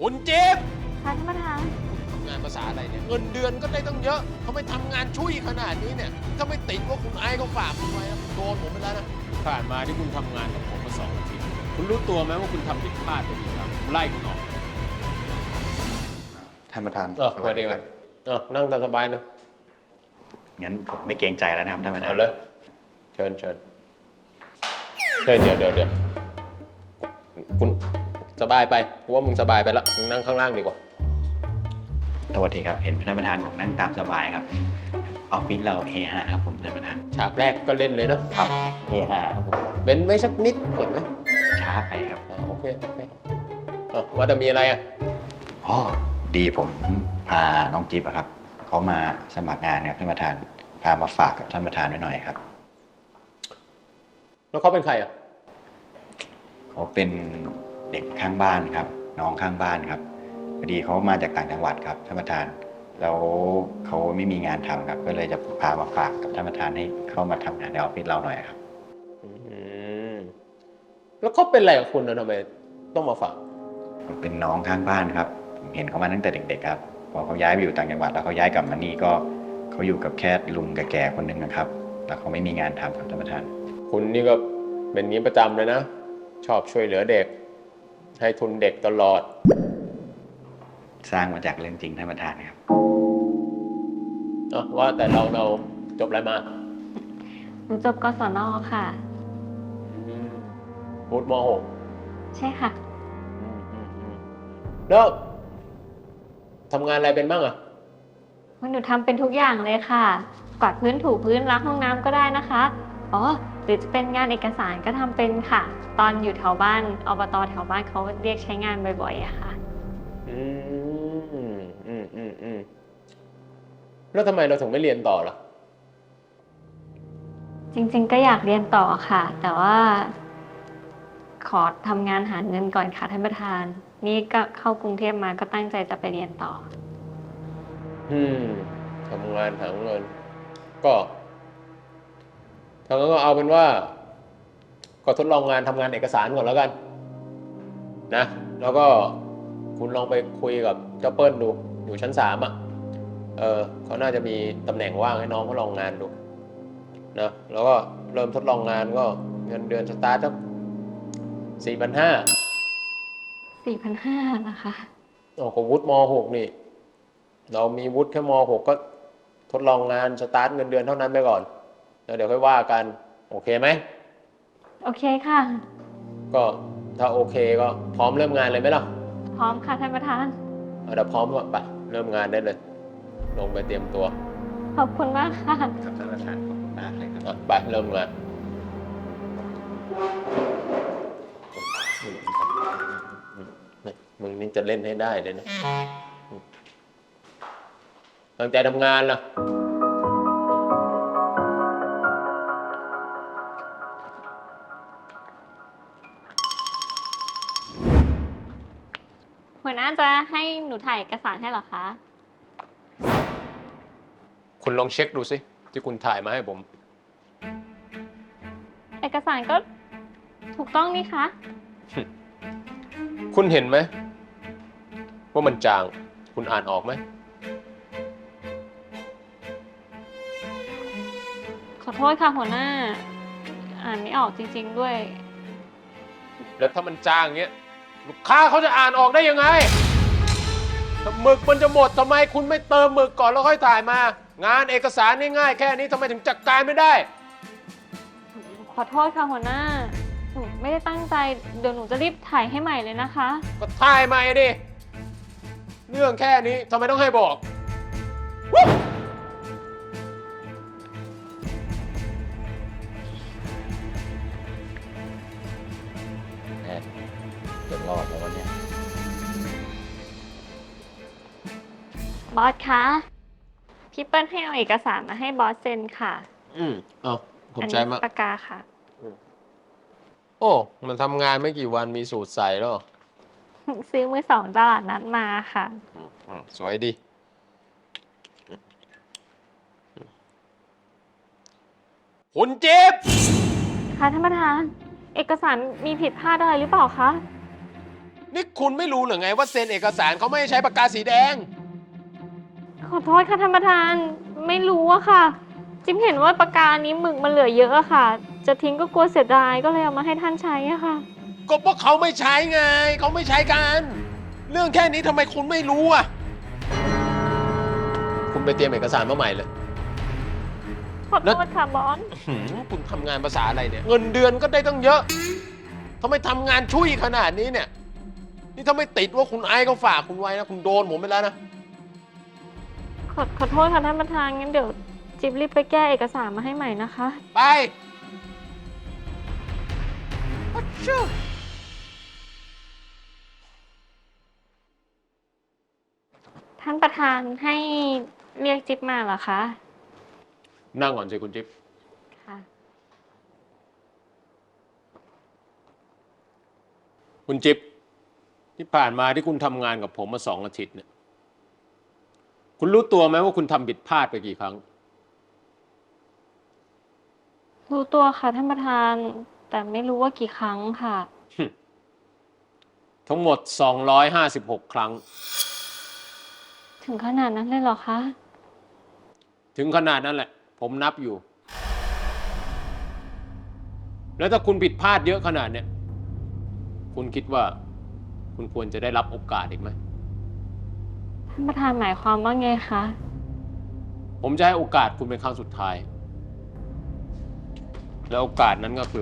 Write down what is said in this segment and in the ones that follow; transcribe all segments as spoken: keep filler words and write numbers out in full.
คุณจิ๊บค่ะท่านประธานทำงานภาษาอะไรเนี่ยเงินเดือนก็ได้ตั้งเยอะเขาไม่ทำงานช่วยขนาดนี้เนี่ยถ้าไม่ติดว่าคุณไอ้เขาฝากคุณไว้โดนผมไปแล้วนะผ่านมาที่คุณทำงานกับผมมาสองอาทิตย์คุณรู้ตัวไหมว่าคุณทำผิดพลาดไปกี่ครั้งไล่คุณออกท่านประธานเออมาดีกว่าเออนั่งตามสบายนะงั้นผมไม่เกรงใจแล้วนะครับท่านประธานเอาเลยเชิญเชิญเฮ้ยเดี๋ยวเดี๋ยวเดี๋ยวคุณสบายไปกูว่ามึงสบายไปแล้วมึงนั่งข้างล่างดีกว่าสวัสดีครับ เห็นท่านประธานผมนั่งตามสบายครับออฟฟิศเราเฮฮาครับผมท่านประธานฉากแรกก็เล่นเลยนะครับเฮฮาครับผมเว้นไว้สักนิดเห็นไหมช้าไปครับอ่าโอเคโอเคอ่ะว่าจะมีอะไรอ่ะอ๋อดีผมพาน้องจิ๊บอะครับเขามาสมัครงานครับท่านประธานพามาฝากกับท่านประธานไว้หน่อยครับแล้วเขาเป็นใครอ่ะเขาเป็นเด็กข้างบ้านครับ น้องข้างบ้านครับพอดีเขามาจากต่างจังหวัดครับท่านประธานแล้วเขาไม่มีงานทำครับ ก็เลยจะพามาฝากกับท่านประธานให้เข้ามาทำงานในออฟฟิศเราหน่อยครับอืมแล้วเขาเป็นอะไรกับคุณนะทำไมต้องมาฝากเป็นน้องข้างบ้านครับผมเห็นเขามาตั้งแต่เด็กๆครับพอเขาย้ายไปอยู่ต่างจังหวัดแล้วเขาย้ายกลับมานี่ก็เขาอยู่กับแค่ลุงกับแก่คนหนึ่งนะครับแล้วเขาไม่มีงานทำครับท่านประธานคุณนี่ก็เป็นงี้ประจำเลยนะชอบช่วยเหลือเด็ก ให้ทุนเด็กตลอดสร้างมาจากเรื่องจริงท่านประธานครับอ่ะว่าแต่เราเราจบอะไรมาหนูจบกศน.ค่ะพุทธมหกใช่ค่ะแล้วทำงานอะไรเป็นบ้างอ่ะหนูทำเป็นทุกอย่างเลยค่ะ กวาดพื้นถูพื้นล้างห้องน้ำก็ได้นะคะ อ๋อ หรือจะเป็นงานเอกสารก็ทำเป็นค่ะ ตอนอยู่แถวบ้านอบต.แถวบ้านเขาเรียกใช้งานบ่อยๆอะค่ะอืมอืมอืมอืมแล้วทำไมเราถึงไม่เรียนต่อล่ะจริงๆก็อยากเรียนต่อค่ะ แต่ว่า ขอทำงานหาเงินก่อนค่ะท่านประธาน นี่ก็เข้ากรุงเทพมาก็ตั้งใจจะไปเรียนต่ออืมทำงานหาเงิน ก็ทางนั้นก็เอาเป็นว่า ก็ทดลองงานทำงานเอกสารก่อนแล้วกัน นะ แล้วก็คุณลองไปคุยกับเจ้าเปิ้ลดู อยู่ชั้นสามอ่ะ เออเขาน่าจะมีตำแหน่งว่างให้น้องเขาลองงานดูนะแล้วก็เริ่มทดลองงานก็เงินเดือนสตาร์ทสักสี่พันห้าสี่พันห้าร้อย นะคะโอ้โหวุฒิมหกนี่ เรามีวุฒิแค่มหกก็ทดลองงานสตาร์ทเงินเดือนเท่านั้นไปก่อน แล้วเดี๋ยวค่อยว่ากัน โอเคไหมโอเคค่ะก็ถ้าโอเคก็พร้อมเริ่มงานเลยไหมล่ะพร้อมค่ะท่านประธานเอาเดี๋ยวพร้อมก่อนไปเริ่มงานได้เลย ลงไปเตรียมตัวขอบคุณมากค่ะครับท่านประธานขอบคุณมากเลยครับอ่ะไปเริ่มงานมึงนี่จะเล่นให้ได้เลยนะตั้งใจทำงานล่ะหัวหน้าจะให้หนูถ่ายเอกสารให้เหรอคะคุณลองเช็คดูสิที่คุณถ่ายมาให้ผมเอกสารก็ถูกต้องนี่คะคุณเห็นไหมว่ามันจาง คุณอ่านออกไหมขอโทษค่ะหัวหน้า อ่านไม่ออกจริงๆด้วยแล้วถ้ามันจางเงี้ยลูกค้าเขาจะอ่านออกได้ยังไงถ้าหมึกมันจะหมดทำไมคุณไม่เติมหมึกก่อนแล้วค่อยถ่ายมา งานเอกสารง่ายๆแค่นี้ทำไมถึงจัดการไม่ได้ขอโทษค่ะหัวหน้า หนูไม่ได้ตั้งใจ เดี๋ยวหนูจะรีบถ่ายให้ใหม่เลยนะคะก็ถ่ายใหม่ดิ เรื่องแค่นี้ทำไมต้องให้บอกแน่จะรอดแล้ววันนี้บอสคะ พี่เปิ้ลให้เอาเอกสารมาให้บอสเซ็นค่ะอืมเอาผมอันใจนี้มากปากกาค่ะโอ้ มันทำงานไม่กี่วันมีสูตรใส่แล้วซื้อมือสองตลาดนัดมาค่ะอืมสวยดี คุณจิ๊บค่ะท่านประธาน เอกสารมีผิดพลาดอะไรหรือเปล่าคะนี่คุณไม่รู้หรือไงว่าเซ็นเอกสารเขาไม่ให้ใช้ปากกาสีแดงขอโทษค่ะท่านประธานไม่รู้อะค่ะ จิ๊บเห็นว่าปากกานี้หมึกมันเหลือเยอะอะค่ะ จะทิ้งก็กลัวเสียดายก็เลยเอามาให้ท่านใช้อะค่ะก็เพราะเขาไม่ใช้ไง เขาไม่ใช้กัน เรื่องแค่นี้ทำไมคุณไม่รู้อ่ะ คุณไปเตรียมเอกสารมาใหม่เลยขอโทษค่ะบอสหืมคุณทำงานภาษาอะไรเนี่ย เงินเดือนก็ได้ตั้งเยอะทำไมทำงานช่วยขนาดนี้เนี่ย นี่ถ้าไม่ติดว่าคุณไอ้เขาฝากคุณไว้นะ คุณโดนผมไปแล้วนะขอขอโทษค่ะท่านประธานงั้นเดี๋ยวจิ๊บรีบไปแก้เอกสารมาให้ใหม่นะคะไปอัชชูท่านประธานให้เรียกจิ๊บมาเหรอคะนั่งก่อนสิคุณจิ๊บค่ะคุณจิ๊บที่ผ่านมาที่คุณทำงานกับผมมาสองอาทิตย์เนี่ย คุณรู้ตัวไหมว่าคุณทำผิดพลาดไปกี่ครั้งรู้ตัวค่ะท่านประธาน แต่ไม่รู้ว่ากี่ครั้งค่ะทั้งหมดสองร้อยห้าสิบหกครั้งถึงขนาดนั้นเลยเหรอคะถึงขนาดนั้นแหละ ผมนับอยู่ แล้วถ้าคุณผิดพลาดเยอะขนาดเนี้ยคุณคิดว่า คุณควรจะได้รับโอกาสอีกไหมท่านประธานหมายความว่าไงคะผมจะให้โอกาสคุณเป็นครั้งสุดท้าย แล้วโอกาสนั้นก็คือ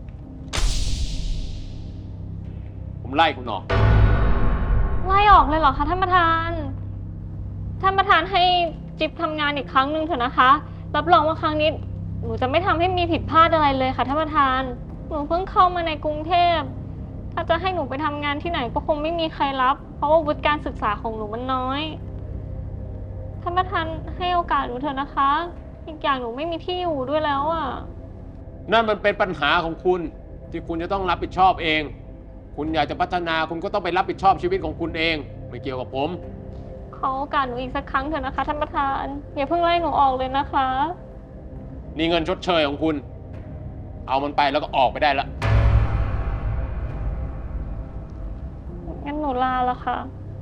ผมไล่คุณออกไล่ออกเลยเหรอคะท่านประธาน ท่านประธานให้จิ๊บทำงานอีกครั้งหนึ่งเถอะนะคะ รับรองว่าครั้งนี้หนูจะไม่ทำให้มีผิดพลาดอะไรเลยค่ะท่านประธาน หนูเพิ่งเข้ามาในกรุงเทพ ถ้าจะให้หนูไปทำงานที่ไหนก็คงไม่มีใครรับ เพราะว่าวุฒิการศึกษาของหนูมันน้อย ท่านประธานให้โอกาสหนูเถอะนะคะ อีกอย่างหนูไม่มีที่อยู่ด้วยแล้วอ่ะนั่นมันเป็นปัญหาของคุณ ที่คุณจะต้องรับผิดชอบเอง คุณอยากจะพัฒนาคุณก็ต้องไปรับผิดชอบชีวิตของคุณเอง ไม่เกี่ยวกับผมขอโอกาสหนูอีกสักครั้งเถอะนะคะท่านประธาน อย่าเพิ่งไล่หนูออกเลยนะคะนี่เงินชดเชยของคุณ เอามันไปแล้วก็ออกไปได้ละงั้นหนูลาแล้วค่ะ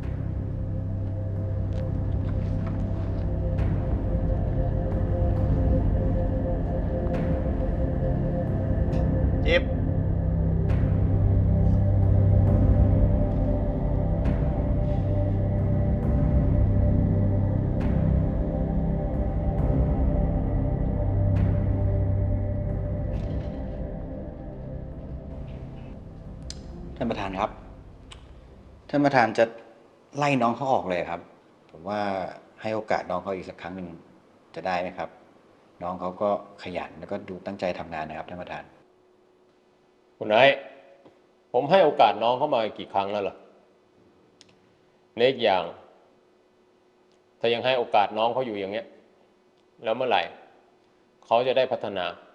จิ๊บท่านประธานครับ ท่านประธานจะไล่น้องเขาออกเลยครับ ผมว่าให้โอกาสน้องเขาอีกสักครั้งหนึ่งจะได้ไหมครับ น้องเขาก็ขยันแล้วก็ดูตั้งใจทำงานนะครับท่านประธานคุณไอ้ผมให้โอกาสน้องเข้ามากี่ครั้งแล้วล่ะเล็กอย่าง ถ้ายังให้โอกาสน้องเขาอยู่อย่างเงี้ย แล้วเมื่อไหร่เขาจะได้พัฒนา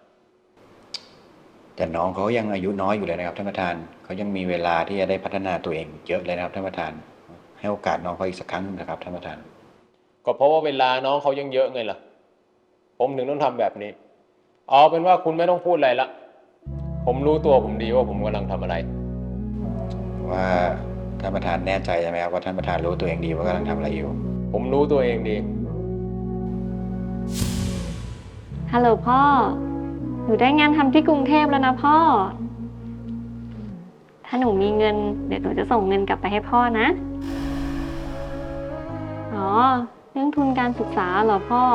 แต่น้องเขายังอายุน้อยอยู่เลยนะครับท่านประธานเขายังมีเวลาที่จะได้พัฒนาตัวเองเยอะเลยนะครับท่านประธาน ให้โอกาสน้องเขาอีกสักครั้งหนึ่งนะครับท่านประธานก็เพราะว่าเวลาน้องเขายังเยอะไงล่ะ ผมถึงต้องทำแบบนี้ เอาเป็นว่าคุณไม่ต้องพูดอะไรละ ผมรู้ตัวผมดีว่าผมกำลังทำอะไรว่าท่านประธานแน่ใจใช่ไหมครับว่าท่านประธานรู้ตัวเองดีว่ากำลังทำอะไรอยู่ผมรู้ตัวเองดีฮัลโหลพ่อ หนูได้งานทำที่กรุงเทพแล้วนะพ่อ ถ้าหนูมีเงิน เดี๋ยวหนูจะส่งเงินกลับไปให้พ่อนะ อ๋อ เรื่องทุนการศึกษาเหรอพ่อ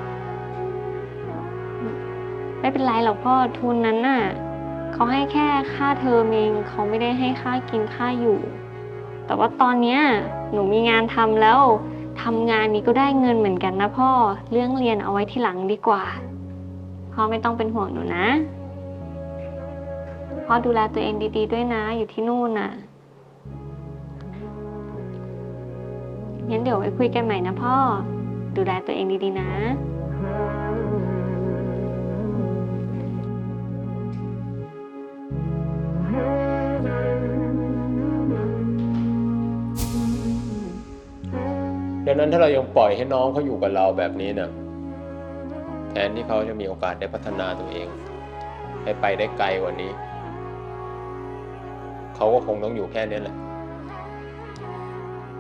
ไม่เป็นไรหรอกพ่อ ทุนนั้นน่ะเขาให้แค่ค่าเทอมเองเขาไม่ได้ให้ค่ากินค่าอยู่ แต่ว่าตอนเนี้ยหนูมีงานทำแล้วทำงานนี้ก็ได้เงินเหมือนกันนะพ่อ เรื่องเรียนเอาไว้ที่หลังดีกว่า พ่อไม่ต้องเป็นห่วงหนูนะ พ่อดูแลตัวเองดีๆด้วยนะ อยู่ที่นู่นน่ะ งั้นเดี๋ยวไว้คุยกันใหม่นะพ่อ ดูแลตัวเองดีๆนะดังนั้นถ้าเรายังปล่อยให้น้องเขาอยู่กับเราแบบนี้เนี่ยแทนที่เขาจะมีโอกาสได้พัฒนาตัวเอง ให้ไปได้ไกลกว่านี้ เขาก็คงต้องอยู่แค่นี้แหละ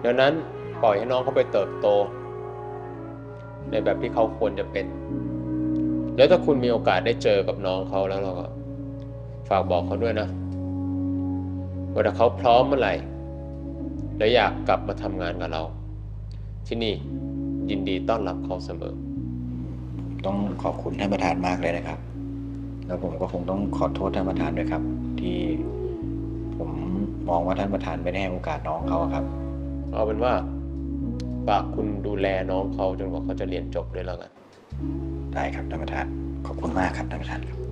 ดังนั้นปล่อยให้น้องเขาไปเติบโต ในแบบที่เขาควรจะเป็น แล้วถ้าคุณมีโอกาสได้เจอกับน้องเขาแล้วเราก็ฝากบอกเขาด้วยนะว่าถ้าเขาพร้อมเมื่อไหร่และอยากกลับมาทำงานกับเรา ที่นี่ยินดีต้อนรับเขาเสมอต้องขอบคุณท่านประธานมากเลยนะครับ แล้วผมก็คงต้องขอโทษท่านประธานด้วยครับ ที่ผมมองว่าท่านประธานไม่ได้ให้โอกาสน้องเขาครับเอาเป็นว่าฝากคุณดูแลน้องเขาจนกว่าเขาจะเรียนจบด้วยแล้วกันได้ครับท่านประธาน ขอบคุณมากครับท่านประธานครับ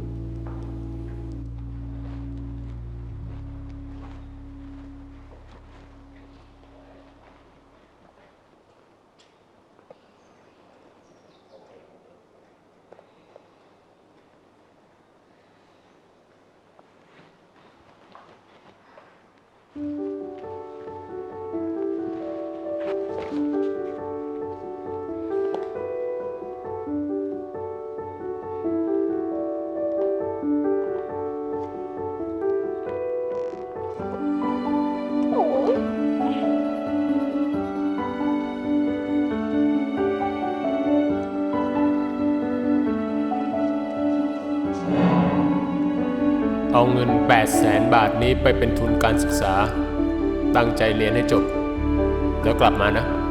เอาเงินแปดแสนบาทนี้ไปเป็นทุนการศึกษา ตั้งใจเรียนให้จบ แล้วกลับมานะ